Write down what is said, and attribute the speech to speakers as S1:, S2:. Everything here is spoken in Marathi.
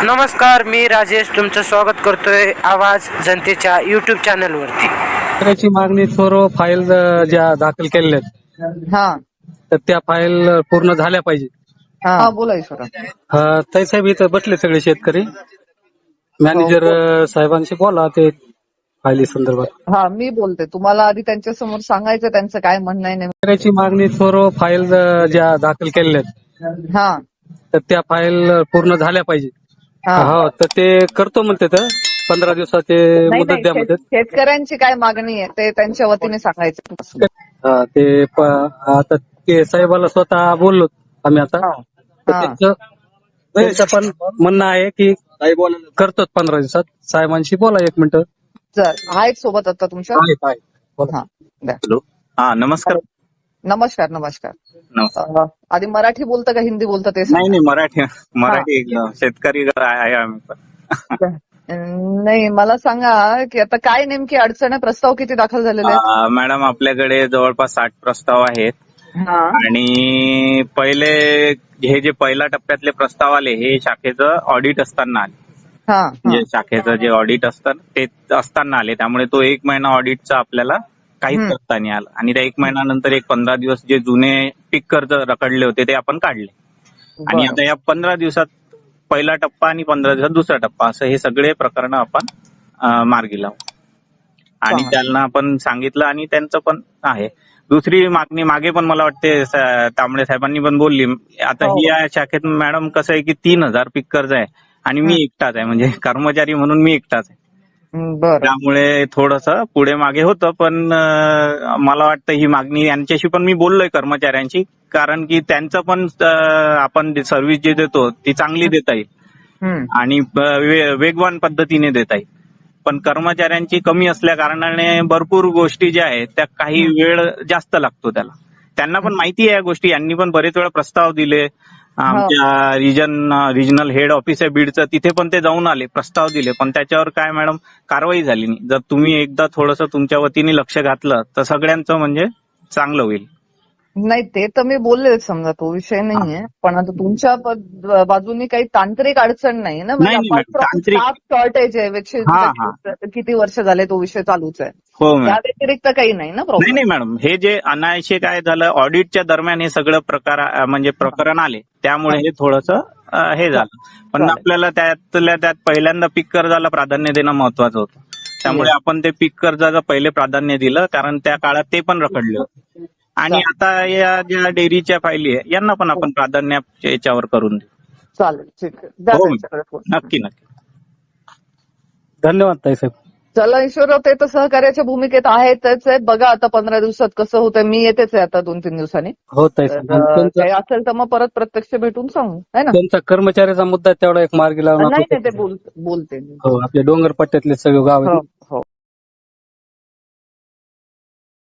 S1: नमस्कार, मी राजेश तुमचं स्वागत करतोय आवाज जनतेच्या युट्यूब चॅनल वरती.
S2: त्याची मागणी सर्व फाईल ज्या दाखल केलेल्या आहेत
S3: हा
S2: तर त्या फाईल पूर्ण झाल्या पाहिजे.
S3: हा बोला ईश्वरा.
S2: ताई साहेब इथं बसले सगळे शेतकरी. मॅनेजर साहेबांशी बोला ते फायली संदर्भात.
S3: हा मी बोलते, तुम्हाला आधी त्यांच्या समोर सांगायचं त्यांचं काय म्हणणं आहे नेमकं.
S2: त्याची मागणी सर्व फाईल ज्या दाखल केलेल्या आहेत
S3: हा
S2: तर त्या फाईल पूर्ण झाल्या पाहिजे.
S3: हा
S2: हो तर ते करतो म्हणते तर 15 दिवसाचे
S3: नाही
S2: मुदत द्या म्हणतात.
S3: शेतकऱ्यांची काय मागणी आहे ते त्यांच्या वतीने सांगायचं.
S2: ते आता ते साहेबाला स्वतः बोललो आम्ही आता.
S3: हा.
S2: तर त्यांचं पण म्हणणं आहे की करतो 15 दिवसात. साहेबांशी बोला 1 मिनिट.
S3: चल आहेत सोबत आता तुमच्या.
S2: बोला.
S3: हा द्या.
S4: हॅलो. हा नमस्कार.
S3: नमस्कार नमस्कार.
S4: नमस्कार.
S3: आधी मराठी बोलतं का हिंदी बोलतं ते
S4: नाही मराठी शेतकरी आहे आम्ही पण.
S3: नाही मला सांगा की आता काय नेमकी अडचण आहे, प्रस्ताव किती दाखल झालेले आहेत?
S4: मॅडम आपल्याकडे जवळपास 60 प्रस्ताव आहेत.
S3: हा
S4: आणि पहिले हे जे पहिल्या टप्प्यातले प्रस्ताव आले हे शाखेचं ऑडिट असताना आले.
S3: हा
S4: म्हणजे शाखेचं जे ऑडिट असतं ते असताना आले, त्यामुळे तो 1 महिना ऑडिटचा आपल्याला काहीच करता नाही आलं. आणि त्या 1 महिन्यानंतर 15 दिवस जे जुने पीक कर्ज रखडले होते ते आपण काढले. आणि आता या 15 दिवसात पहिला टप्पा आणि 15 दिवसात दुसरा टप्पा असं हे सगळे प्रकरण आपण मार्गी लावू. आणि त्यांना आपण सांगितलं आणि त्यांचं पण आहे. दुसरी मागणी मागे पण मला वाटते तांबडे साहेबांनी पण बोलली. आता ही या शाखेत मॅडम कसं आहे की 3000 पीक कर्ज आहे आणि मी एकटाच आहे, म्हणजे कर्मचारी म्हणून मी एकटाच आहे.
S3: बरं
S4: त्यामुळे थोडंसं पुढे मागे होतं, पण मला वाटतं ही मागणी यांच्याशी पण मी बोललोय कर्मचाऱ्यांशी, कारण की त्यांचं पण आपण सर्व्हिस जे देतो ती चांगली देता येईल आणि वेगवान पद्धतीने देता येईल. पण कर्मचाऱ्यांची कमी असल्या कारणाने भरपूर गोष्टी ज्या आहेत त्या काही वेळ जास्त लागतो त्याला. त्यांना पण माहिती आहे या गोष्टी. यांनी पण बरेच वेळा प्रस्ताव दिले. आमच्या रिजनल हेड ऑफिस आहे बीडचं, तिथे पण ते जाऊन आले, प्रस्ताव दिले, पण त्याच्यावर काय मॅडम कारवाई झाली नाही. जर तुम्ही एकदा थोडंसं तुमच्या वतीने लक्ष घातलं तर सगळ्यांचं म्हणजे चांगलं होईल.
S3: नाही ते तर मी बोलले, समजा तो विषय नाहीये, पण आता तुमच्या बाजूनी काही तांत्रिक अडचण नाही ना?
S4: नाही, तांत्रिक
S3: स्टाफ शॉर्टेज आहे, किती वर्ष झाले तो विषय चालूच आहे.
S4: हो
S3: त्या व्यतिरिक्त काही नाही ना प्रॉब्लेम?
S4: नाही मॅडम, हे जे अनायसे काय झालं ऑडिटच्या दरम्यान हे सगळं प्रकरण आले, त्यामुळे हे थोडंसं हे झालं. पण आपल्याला त्यातल्या त्यात पहिल्यांदा पीक कर्जाला प्राधान्य देणं महत्वाचं होतं. त्यामुळे आपण ते पीक कर्जाचं पहिले प्राधान्य दिलं, कारण त्या काळात ते पण रखडले होते. आणि आता या ज्या डेअरीच्या फायली आहे यांना पण आपण प्राधान्य याच्यावर करून देऊ.
S3: चालेल, ठीक आहे.
S4: हो नक्की.
S2: धन्यवाद ताई साहेब.
S3: चला ईश्वरराव, ते तर सहकार्याच्या भूमिकेत आहेतच आहे. बघा आता 15 दिवसात कसं होतंय. मी येतेच आहे आता 2-3 दिवसांनी.
S2: हो ताई साहेब.
S3: काही असेल तर मग परत प्रत्यक्ष भेटून सांगू, है ना?
S2: त्यांचा कर्मचाऱ्याचा मुद्दा तेवढा एक मार्गी लावून
S3: नाही ते बोलते.
S2: हो आपल्या डोंगर पट्ट्यातले सगळे गाव आहेत.
S3: हो